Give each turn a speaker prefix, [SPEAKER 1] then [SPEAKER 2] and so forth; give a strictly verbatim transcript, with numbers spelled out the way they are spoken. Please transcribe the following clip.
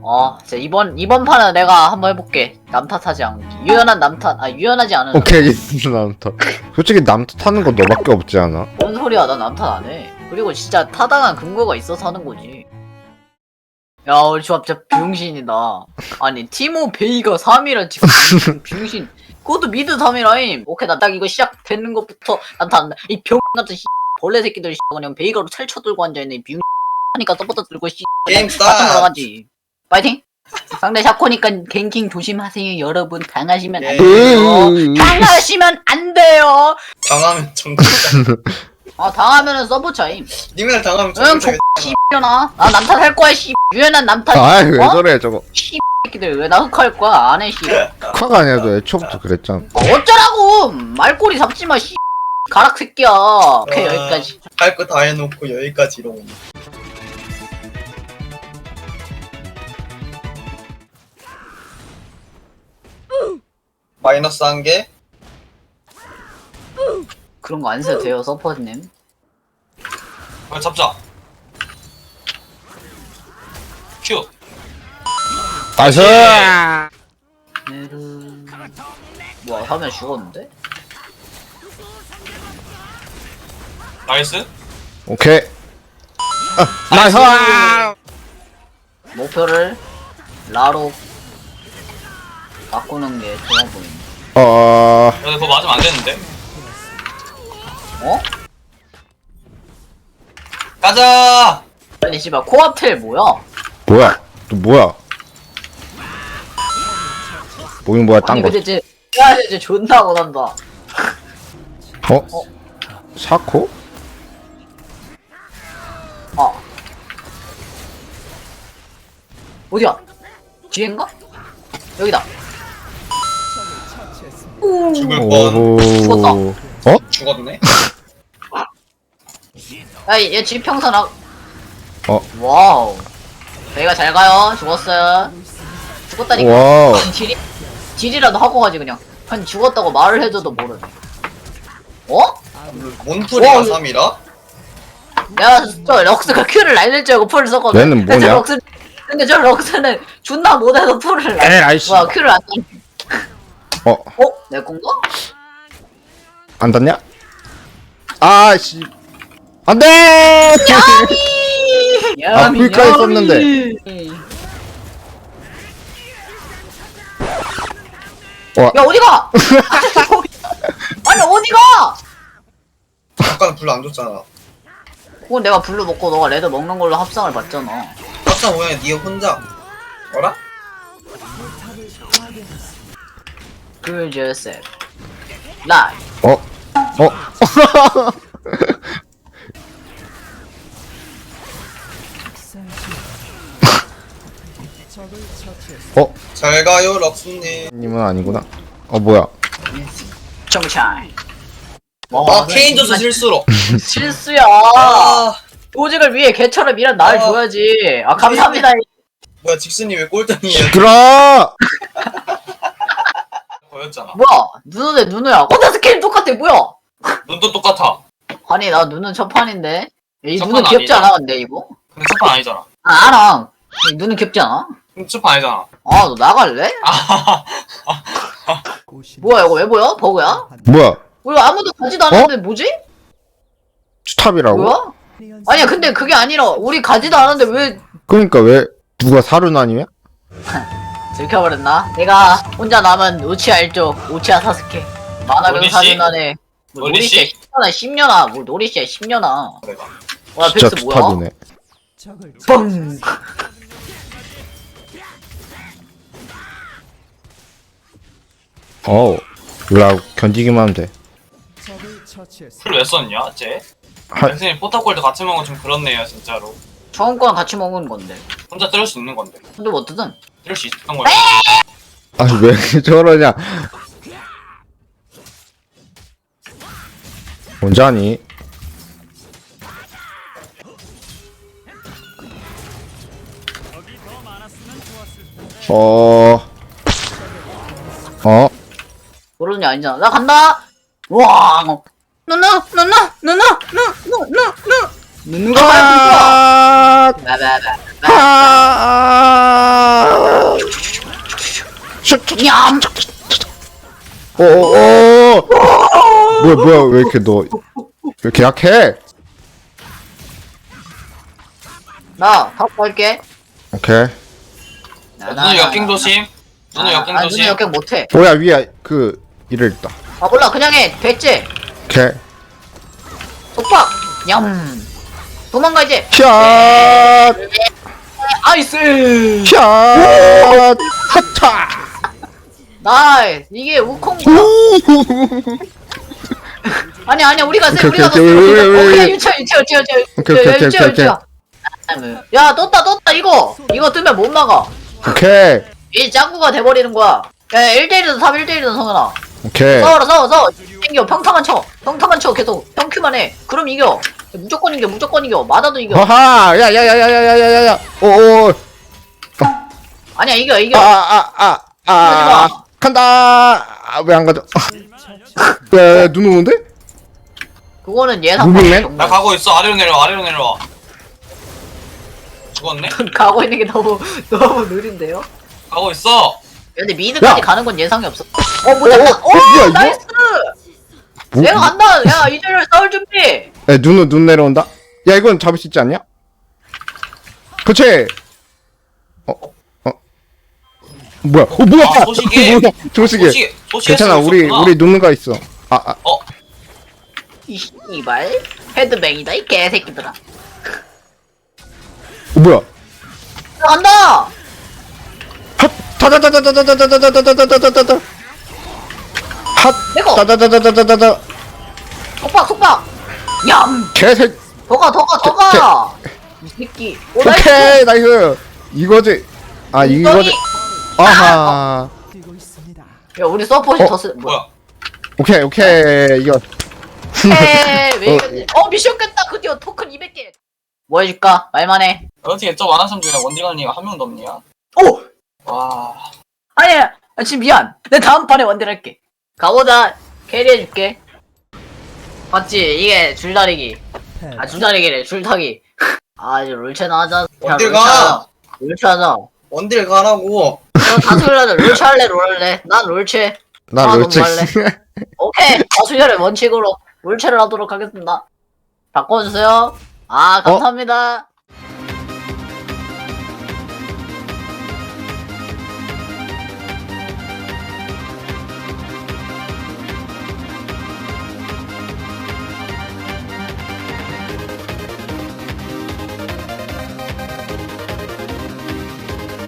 [SPEAKER 1] 어, 자, 이번, 이번 판은 내가 한번 해볼게. 남 탓하지 않기. 유연한 남 탓, 아, 유연하지 않은.
[SPEAKER 2] 오케이 남탓. 솔직히 남탓 하는 거 너밖에 없지 않아?
[SPEAKER 1] 뭔 소리야, 나 남 탓 안 해. 그리고 진짜 타당한 근거가 있어서 하는 거지. 야, 우리 조합 진짜 병신이다. 아니, 티모 베이가 삼 위라 지금 병신. 그것도 미드 삼 위라임. 오케이, 나 딱 이거 시작되는 것부터 난다안다. 이 병 같은 씨, 벌레 새끼들 씨, 그냥 베이가로 찰쳐 들고 앉아있는 이 병. 하니까 서포터 들고 씨.
[SPEAKER 3] 게임
[SPEAKER 1] 같은
[SPEAKER 3] 스타트.
[SPEAKER 1] 거 가지. 파이팅! 상대 샤코니까 갱킹 조심하세요, 여러분. 당하시면 안
[SPEAKER 3] 네.
[SPEAKER 1] 돼요. 당하시면 안 돼요.
[SPEAKER 3] 당하면 정글.
[SPEAKER 1] 아, 당하면은 서브 차임.
[SPEAKER 3] 님들 당하면
[SPEAKER 1] 응,
[SPEAKER 3] 정글.
[SPEAKER 1] 씨X년아. 나 남탓 할 거야, 씨. 유연한 남탓.
[SPEAKER 2] 아이 왜
[SPEAKER 1] 어?
[SPEAKER 2] 저래 저거.
[SPEAKER 1] 새끼들 왜 나 흑할 거야? 안 해, 씨.
[SPEAKER 2] 夸가 아니라도 애초부터 그랬잖아.
[SPEAKER 1] 어, 어쩌라고! 말꼬리 잡지 마, 씨. 가락 새끼야. 오케이,
[SPEAKER 3] 아.
[SPEAKER 1] 여기까지.
[SPEAKER 3] 할 거 다 해놓고 여기까지로 오네. 마이너스 한 개.
[SPEAKER 1] 그런 거 안 써도 돼요, 서퍼님.
[SPEAKER 4] 아, 잡자. 큐.
[SPEAKER 2] 나이스.
[SPEAKER 1] 네르. 뭐야, 화면 죽었는데?
[SPEAKER 4] 나이스.
[SPEAKER 2] 오케이. 아, 나이스.
[SPEAKER 1] 목표를 라로 바꾸는 게 좋아 보이네.
[SPEAKER 2] 어.
[SPEAKER 4] 야, 그거 맞으면 안 되는데.
[SPEAKER 1] 어?
[SPEAKER 4] 가자.
[SPEAKER 1] 아니, 씨발, 코앞텔 뭐야?
[SPEAKER 2] 뭐야? 또 뭐야? 뭐긴 뭐야 딴
[SPEAKER 1] 아니,
[SPEAKER 2] 거.
[SPEAKER 1] 근데 쟤, 야, 쟤 존나 못한다.
[SPEAKER 2] 어? 샤코?
[SPEAKER 1] 아. 어디야? 뒤엔가? 여기다.
[SPEAKER 3] 죽을 뻔.
[SPEAKER 2] 오호.
[SPEAKER 1] 죽었다.
[SPEAKER 2] 어?
[SPEAKER 3] 죽었네.
[SPEAKER 1] 야, 얘 지평선 아.
[SPEAKER 2] 어.
[SPEAKER 1] 와우. 저희가 잘 가요. 죽었어요. 죽었다니까.
[SPEAKER 2] 와우.
[SPEAKER 1] 딜이, 딜이라도 하고 가지, 그냥. 아니, 죽었다고 말을 해줘도 모르네. 어?
[SPEAKER 3] 몬프리가
[SPEAKER 1] 어,
[SPEAKER 3] 삼 위라?
[SPEAKER 1] 야, 저 럭스가 큐를 날릴 줄 알고 풀을 썼거든.
[SPEAKER 2] 얘는
[SPEAKER 1] 근데 저
[SPEAKER 2] 뭐냐?
[SPEAKER 1] 럭스, 근데 저 럭스는 존나 못해서 풀을 날.
[SPEAKER 2] 에라이, 씨.
[SPEAKER 1] 뭐야, 큐를 안 날려.
[SPEAKER 2] 어?
[SPEAKER 1] 어? 내 건가?
[SPEAKER 2] 안 닿냐? 아씨. 안 돼! 아, 풀까지 썼는데. 와.
[SPEAKER 1] 야, 어디가? 아니, 어디가?
[SPEAKER 3] 아까는 불 안 줬잖아.
[SPEAKER 1] 그건 내가 블루 먹고 너가 레드 먹는 걸로 합성을 봤잖아.
[SPEAKER 3] 아까 모양이 니 혼자. 어라?
[SPEAKER 1] 그 제셉 라이.
[SPEAKER 2] 어? 어? 어?
[SPEAKER 3] 잘 가요 럭스님.
[SPEAKER 2] 님은 아니구나. 어 뭐야?
[SPEAKER 1] 정차이.
[SPEAKER 3] 아 케인 줘서 실수로.
[SPEAKER 1] 실수야.
[SPEAKER 3] 아
[SPEAKER 1] 조직을 위해 개처럼 일한 날
[SPEAKER 3] 아.
[SPEAKER 1] 줘야지. 아, 감사합니다.
[SPEAKER 3] 뭐야 직스님 왜 꼴등이에요?
[SPEAKER 2] 시끄러!
[SPEAKER 4] 보였잖아.
[SPEAKER 1] 뭐야? 누누네 누누야. 어, 나 스케일 똑같아. 뭐야?
[SPEAKER 4] 눈도 똑같아.
[SPEAKER 1] 아니, 나 누는 첫 판인데. 이
[SPEAKER 4] 첫
[SPEAKER 1] 누는
[SPEAKER 4] 판
[SPEAKER 1] 귀엽지
[SPEAKER 4] 아니잖아.
[SPEAKER 1] 않아, 근데 이거?
[SPEAKER 4] 근데 첫판 아니잖아.
[SPEAKER 1] 아, 알아. 이 누는 귀엽지 않아?
[SPEAKER 4] 근데 첫판 아니잖아.
[SPEAKER 1] 아, 너 나갈래?
[SPEAKER 4] 아하하.
[SPEAKER 1] 뭐야, 이거 왜 보여? 버그야?
[SPEAKER 2] 뭐야?
[SPEAKER 1] 우리 아무도 가지도 않았는데 뭐지?
[SPEAKER 2] 스탑이라고?
[SPEAKER 1] 뭐야? 아니야, 근데 그게 아니라 우리 가지도 않았는데 왜
[SPEAKER 2] 그러니까 왜 누가 사륜 아니야?
[SPEAKER 1] 들켜버렸나? 내가 혼자 남은 우치아 일족 우치아 사스케 만화경
[SPEAKER 4] 노리씨?
[SPEAKER 1] 사진안에 뭐
[SPEAKER 4] 노리씨?
[SPEAKER 1] 노리씨야 십 년아 십 년아 뭐 노리씨야 십 년아
[SPEAKER 4] 내가.
[SPEAKER 1] 와
[SPEAKER 2] 진짜
[SPEAKER 1] 벡스 뭐야?
[SPEAKER 2] 스탑이네.
[SPEAKER 1] 뻥
[SPEAKER 2] 어우. 몰라 견디기만 하면 돼.
[SPEAKER 4] 풀왜 썼냐, 쟤?
[SPEAKER 2] 하-
[SPEAKER 4] 선생님 포탑골드 같이 먹으면 좀 그렇네요, 진짜로.
[SPEAKER 1] 처음 거랑 같이 먹은 건데
[SPEAKER 4] 혼자 뜰 수 있는 건데.
[SPEAKER 1] 근데 뭐 어떻든
[SPEAKER 4] 뜰 수 있었던 걸.
[SPEAKER 2] 아니 왜 저러냐? 언제 하니? 어. 어?
[SPEAKER 1] 모르는 게 아니잖아 나 간다 와 누누 누누 누누 누누 누누 누누가
[SPEAKER 2] 아!
[SPEAKER 1] 나나나
[SPEAKER 2] 아!
[SPEAKER 1] 냠.
[SPEAKER 2] 어어어 뭐야 뭐야 왜 이렇게 너 왜 이렇게 약해?
[SPEAKER 1] 나탑 갈게.
[SPEAKER 2] 오케이.
[SPEAKER 4] 누누 역행 조심. 누누 역행
[SPEAKER 1] 아, 눈이
[SPEAKER 4] 조심.
[SPEAKER 1] 역행 못해.
[SPEAKER 2] 뭐야 위에 그 이를 있다.
[SPEAKER 1] 아 몰라 그냥 해. 됐지.
[SPEAKER 2] 오케이.
[SPEAKER 1] 속박. 냠. 도망가 이제.
[SPEAKER 2] 샷.
[SPEAKER 1] 아이스.
[SPEAKER 2] 샷. 하차.
[SPEAKER 1] 나이스. 이게 우콩인가? 아니 아니야 우리가 세
[SPEAKER 2] 오케이,
[SPEAKER 1] 우리가
[SPEAKER 2] 오케이,
[SPEAKER 1] 더 세.
[SPEAKER 2] 오케이, 오케이, 오케이,
[SPEAKER 1] 오케이
[SPEAKER 2] 오케이.
[SPEAKER 1] 유쳐 유쳐 유쳐 유쳐
[SPEAKER 2] 오케이, 오케이, 오케이,
[SPEAKER 1] 유쳐
[SPEAKER 2] 오케이,
[SPEAKER 1] 유쳐. 야 떴다 떴다 이거 이거 뜨면 못 막아.
[SPEAKER 2] 오케이.
[SPEAKER 1] 이 짱구가 돼버리는 거야. 야 일 대일이든 삼 일 대일이든 성현아.
[SPEAKER 2] 오케이.
[SPEAKER 1] 싸워라 싸워 싸워. 땡겨 평타만 쳐. 평타만 쳐 계속 평큐만 해. 그럼 이겨. 무조건 이겨 무조건 이겨. 맞아도 이겨.
[SPEAKER 2] 하하. 야야야야야야야야야. 오오.
[SPEAKER 1] 아니야 이겨 이겨.
[SPEAKER 2] 아아아아 아, 아, 간다. 아, 왜 안 가져? 야, 눈 오는데?
[SPEAKER 1] 그거는 예상.
[SPEAKER 2] 무빙맨?
[SPEAKER 4] 나 가고 있어. 아래로 내려와. 아래로 내려와. 죽었네?
[SPEAKER 1] 가고 있는 게 너무 너무 느린데요?
[SPEAKER 4] 가고 있어.
[SPEAKER 1] 근데 미드까지
[SPEAKER 2] 야!
[SPEAKER 1] 가는 건 예상이 없어. 어, 못
[SPEAKER 2] 어,
[SPEAKER 1] 잡다.
[SPEAKER 2] 어, 뭐야,
[SPEAKER 1] 오,
[SPEAKER 2] 이거?
[SPEAKER 1] 나이스.
[SPEAKER 2] 뭐,
[SPEAKER 1] 내가 간다. 야, 이제를 싸울 준비.
[SPEAKER 2] 야, 눈, 눈 내려온다? 야, 이건 잡을 수 있지 않냐? 그치? 어, 어. 뭐야, 어, 뭐야!
[SPEAKER 4] 아, 소시계.
[SPEAKER 2] 뭐야, 조식이.
[SPEAKER 4] 소시 소시.
[SPEAKER 2] 괜찮아, 우리, 우리 누누가 있어. 아, 아,
[SPEAKER 4] 어.
[SPEAKER 1] 이 씨발 헤드뱅이다 이 개새끼들아.
[SPEAKER 2] 어, 뭐야?
[SPEAKER 1] 나 간다.
[SPEAKER 2] 핫! 타다다다다다다다다다다다다다다 핫!
[SPEAKER 1] 내거.
[SPEAKER 2] 다다다다다다다
[SPEAKER 1] 속박 속박. 얌.
[SPEAKER 2] 개새
[SPEAKER 1] 더가 더가 더가. 이 새끼. 오 나이스.
[SPEAKER 2] 오케이, 나이스! 이거지. 아, 이거지. 아하.
[SPEAKER 1] 야 우리 서포트
[SPEAKER 2] 어?
[SPEAKER 1] 더 쓰. 뭐야?
[SPEAKER 4] 뭐야?
[SPEAKER 2] 오케이, 오케이. 이거.
[SPEAKER 1] 에왜 이겼지? 어 미션 깼다. 드디어 토큰 이백 개. 뭐 해줄까? 말만 해.
[SPEAKER 4] 어떻게 저 많은 사람 중에 원딜관리가 한 명도 없냐?
[SPEAKER 1] 오.
[SPEAKER 4] 와.
[SPEAKER 1] 아니야. 아, 지금 미안. 내 다음 판에 원딜 할게. 가보자. 캐리해줄게. 맞지? 이게 줄다리기. 아 줄다리기래. 줄타기. 아 이제 롤체나 하자. 야,
[SPEAKER 3] 원딜
[SPEAKER 1] 롤체 하자.
[SPEAKER 3] 가.
[SPEAKER 1] 롤체 하자.
[SPEAKER 3] 원딜 가라고.
[SPEAKER 1] 너 다수결 하자. 롤체 할래? 롤 할래? 난 롤체.
[SPEAKER 2] 나
[SPEAKER 1] 아,
[SPEAKER 2] 롤체.
[SPEAKER 1] 너무 오케이. 다수결의 원칙으로 롤체를 하도록 하겠습니다. 바꿔주세요. 아 감사합니다.